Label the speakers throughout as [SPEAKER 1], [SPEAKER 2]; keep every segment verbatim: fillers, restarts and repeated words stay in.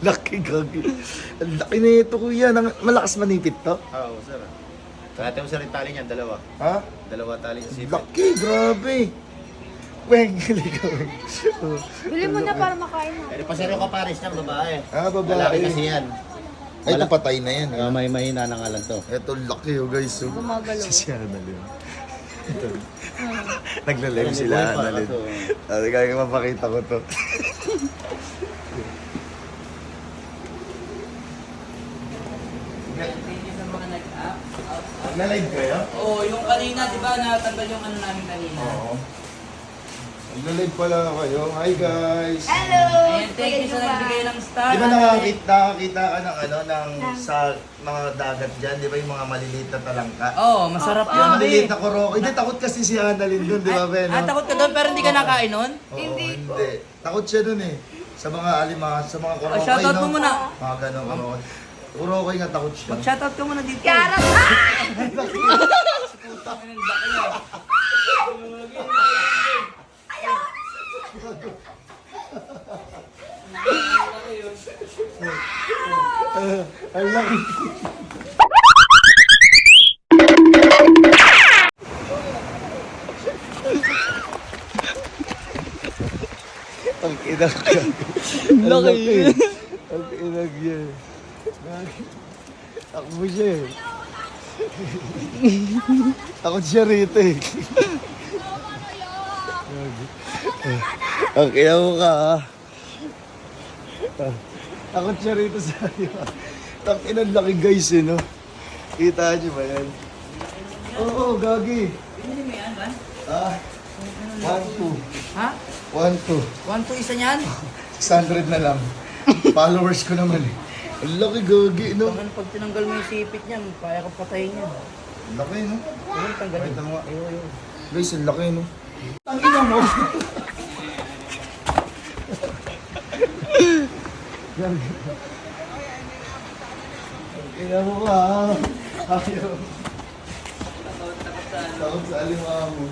[SPEAKER 1] Laki gagi. Ang laki na ito kuya. Nang- Malakas manipit to?
[SPEAKER 2] Oo, sir. Kaya mo sir yung tali niyan, dalawa.
[SPEAKER 1] Ha?
[SPEAKER 2] Dalawa tali sa sipit.
[SPEAKER 1] Laki, grabe. Weng, ligaw. Oh.
[SPEAKER 3] Bili mo na para makain na.
[SPEAKER 2] Pero pa sir yung kapares niya, babae.
[SPEAKER 1] Ah, babae.
[SPEAKER 2] Lalaki kasi yan.
[SPEAKER 1] Ay, ito patay na yan.
[SPEAKER 2] Uh, may mahina na nga lang to.
[SPEAKER 1] Ito laki oh guys. Oh.
[SPEAKER 3] Gumagalaw.
[SPEAKER 1] Si Annalyn. Ito. Nagla-live sila Annalyn. Ah, kaya mapakita ko to.
[SPEAKER 4] Sa mga nag-up.
[SPEAKER 1] Nag-live kayo?
[SPEAKER 4] Oo, yung kanina, di ba, natanggal yung ano namin kanina.
[SPEAKER 1] Oo. Nag-live pala kayo. Hi guys!
[SPEAKER 3] Hello!
[SPEAKER 4] Ayan, thank you sa nagbigay ng star.
[SPEAKER 1] Di ba nakakita, nakakita ka ng ano, ng sa mga dagat dyan, di ba yung mga maliliit na talangka?
[SPEAKER 4] Oo, oh, masarap
[SPEAKER 1] Yung
[SPEAKER 4] yun.
[SPEAKER 1] maliliit
[SPEAKER 4] eh.
[SPEAKER 1] na kuroko. Hindi, takot kasi si Annalyn dun, di ba, Ben?
[SPEAKER 4] Ah, takot ka doon pero hindi ka nakain nun?
[SPEAKER 1] Oo, hindi. Takot siya dun eh. Sa mga alima, sa mga kurokoy,
[SPEAKER 4] Oh, shoutout mo muna.
[SPEAKER 1] Mga ganun kurokoy. Kurokoy nga takot siya.
[SPEAKER 4] Mag-shoutout ka muna dito.
[SPEAKER 3] Karat! Ah!
[SPEAKER 1] Ang laki. Ang inag ka. Ang laki. Ang inag yan. Takbo siya eh. Takot siya rito eh. Ang ina mo ka ha. Takot siya rito sa iyo. Ang ina laki guys eh no. Kita niyo ba yan? Oo, gagi.
[SPEAKER 4] Pinili mo yan, Van?
[SPEAKER 1] Ah, one, two.
[SPEAKER 4] Ha?
[SPEAKER 1] One, two.
[SPEAKER 4] One, two, isa niyan?
[SPEAKER 1] six hundred na lang. Followers ko naman eh. Ang laki gagi no.
[SPEAKER 4] Tangan, pag tinanggal mo yung sipit niyan, kaya ka patayin yan.
[SPEAKER 1] Ang laki no.
[SPEAKER 4] Ayun, tanggalin.
[SPEAKER 1] Wait lang nga.
[SPEAKER 4] Ayun, ayun.
[SPEAKER 1] Guys, ang laki no. Ang ina mo. Gagi. Ang ina mo ka ha. Ayaw. Takot sa alimahan mo.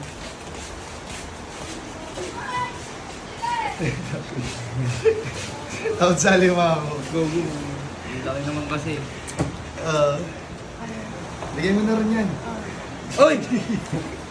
[SPEAKER 1] Takot sa alimahan mo. Go, go.
[SPEAKER 4] Ang laki naman kasi.
[SPEAKER 1] Ah. Lagyan mo na rin yan.
[SPEAKER 4] Uy!